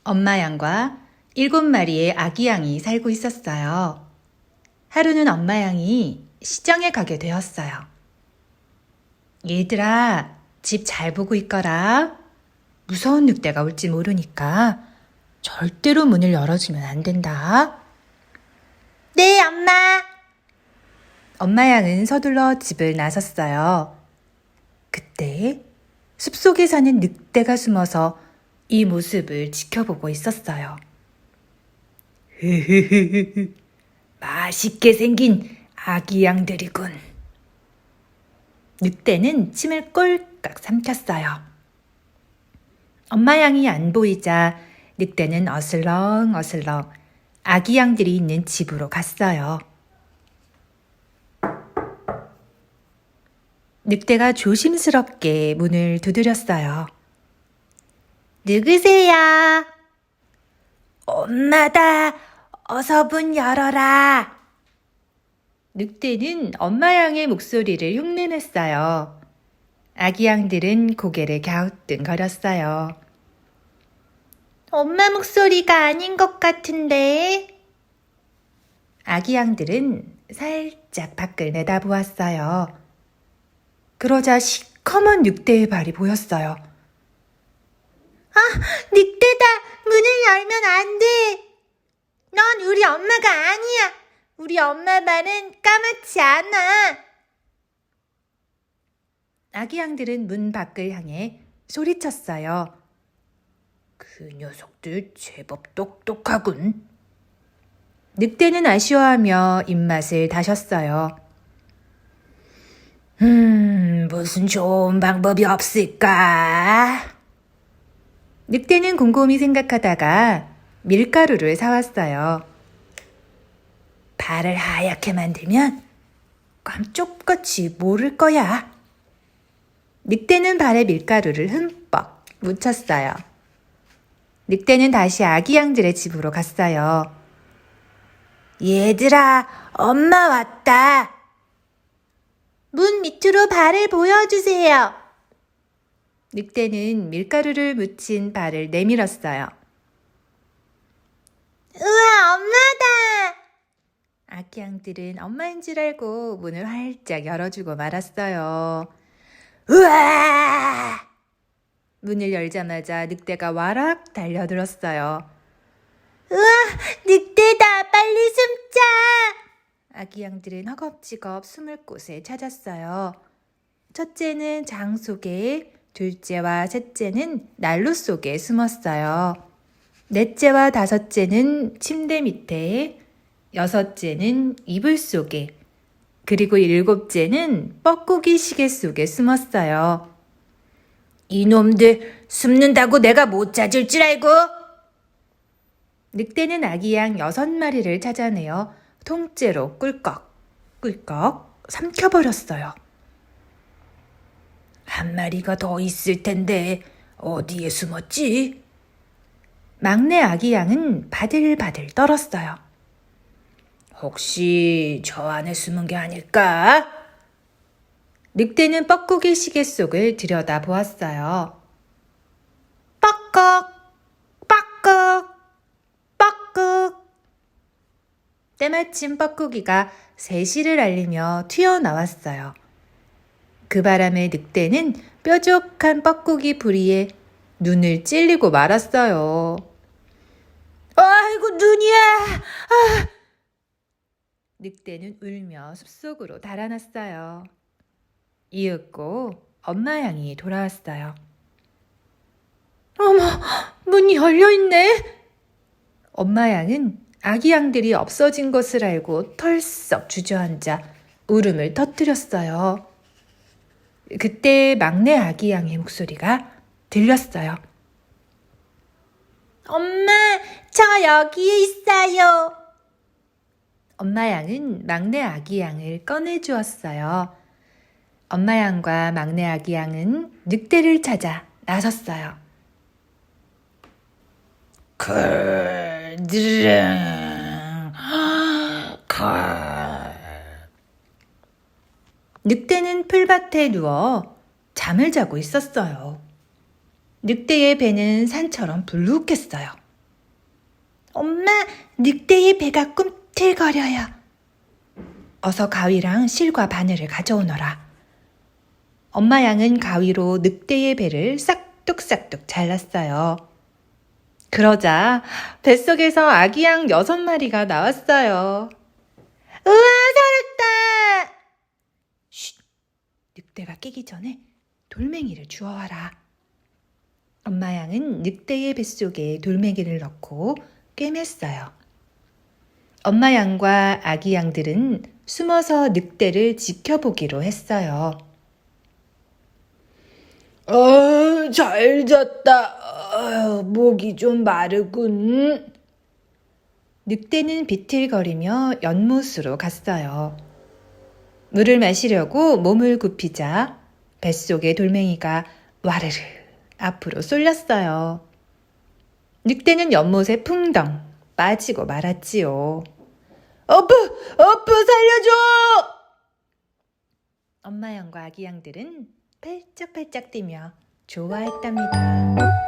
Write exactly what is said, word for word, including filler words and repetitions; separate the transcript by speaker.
Speaker 1: 엄마 양과 일곱 마리의 아기 양이 살고 있었어요. 하루는 엄마 양이 시장에 가게 되었어요. 얘들아, 집 잘 보고 있거라. 무서운 늑대가 올지 모르니까 절대로 문을 열어주면 안 된다. 네, 엄마. 엄마 양은 서둘러 집을 나섰어요. 그때 숲속에 사는 늑대가 숨어서 이 모습을 지켜보고 있었어요. 흐흐흐흐, 맛있게 생긴 아기 양들이군. 늑대는 침을 꼴깍 삼켰어요. 엄마 양이 안 보이자 늑대는 어슬렁 어슬렁 아기 양들이 있는 집으로 갔어요. 늑대가 조심스럽게 문을 두드렸어요. 누구세요? 엄마다. 어서 문 열어라. 늑대는 엄마 양의 목소리를 흉내냈어요. 아기 양들은 고개를 갸우뚱거렸어요. 엄마 목소리가 아닌 것 같은데. 아기 양들은 살짝 밖을 내다보았어요. 그러자 시커먼 늑대의 발이 보였어요. 아, 늑대다. 문을 열면 안 돼. 넌 우리 엄마가 아니야. 우리 엄마 발은 까맣지 않아. 아기 양들은 문 밖을 향해 소리쳤어요. 그 녀석들 제법 똑똑하군. 늑대는 아쉬워하며 입맛을 다셨어요. 음, 무슨 좋은 방법이 없을까? 늑대는 곰곰이 생각하다가 밀가루를 사왔어요. 발을 하얗게 만들면 깜쪽같이 모를 거야. 늑대는 발에 밀가루를 흠뻑 묻혔어요. 늑대는 다시 아기 양들의 집으로 갔어요. 얘들아, 엄마 왔다. 문 밑으로 발을 보여주세요. 늑대는 밀가루를 묻힌 발을 내밀었어요. 우와, 엄마다! 아기 양들은 엄마인 줄 알고 문을 활짝 열어주고 말았어요. 우와! 문을 열자마자 늑대가 와락 달려들었어요. 우와, 늑대다! 빨리 숨자! 아기 양들은 허겁지겁 숨을 곳을 찾았어요. 첫째는 장 속에, 둘째와 셋째는 난로 속에 숨었어요. 넷째와 다섯째는 침대 밑에, 여섯째는 이불 속에, 그리고 일곱째는 뻐꾸기 시계 속에 숨었어요. 이놈들 숨는다고 내가 못 찾을 줄 알고? 늑대는 아기 양 여섯 마리를 찾아내어 통째로 꿀꺽, 꿀꺽 삼켜버렸어요. 한 마리가 더 있을 텐데 어디에 숨었지? 막내 아기 양은 바들바들 떨었어요. 혹시 저 안에 숨은 게 아닐까? 늑대는 뻐꾸기 시계 속을 들여다보았어요. 뻐꺽, 뻐꺽, 뻐꺽. 때마침 뻐꾸기가 세시를 알리며 튀어나왔어요. 그 바람에 늑대는 뾰족한 뻐꾸기 부리에 눈을 찔리고 말았어요. 아이고, 눈이야! 아! 늑대는 울며 숲속으로 달아났어요. 이윽고 엄마 양이 돌아왔어요. 어머, 문이 열려있네. 엄마 양은 아기 양들이 없어진 것을 알고 털썩 주저앉아 울음을 터뜨렸어요. 그때 막내 아기 양의 목소리가 들렸어요. 엄마, 저 여기에 있어요. 엄마 양은 막내 아기 양을 꺼내주었어요. 엄마 양과 막내 아기 양은 늑대를 찾아 나섰어요. 컬드릉, 컬. 늑대는 풀밭에 누워 잠을 자고 있었어요. 늑대의 배는 산처럼 불룩했어요. 엄마, 늑대의 배가 꿈틀거려요. 어서 가위랑 실과 바늘을 가져오너라. 엄마 양은 가위로 늑대의 배를 싹둑싹둑 잘랐어요. 그러자 뱃속에서 아기 양 여섯 마리가 나왔어요. 우와, 살았다! 쉿! 늑대가 깨기 전에 돌멩이를 주워와라. 엄마 양은 늑대의 뱃속에 돌멩이를 넣고 꿰맸어요. 엄마 양과 아기 양들은 숨어서 늑대를 지켜보기로 했어요. 어, 잘 잤다. 어, 목이 좀 마르군. 늑대는 비틀거리며 연못으로 갔어요. 물을 마시려고 몸을 굽히자 뱃속의 돌멩이가 와르르 앞으로 쏠렸어요. 늑대는 연못에 풍덩 빠지고 말았지요. 어프! 어프! 살려줘! 엄마 양과 아기 양들은 팔짝팔짝 뛰며 좋아했답니다.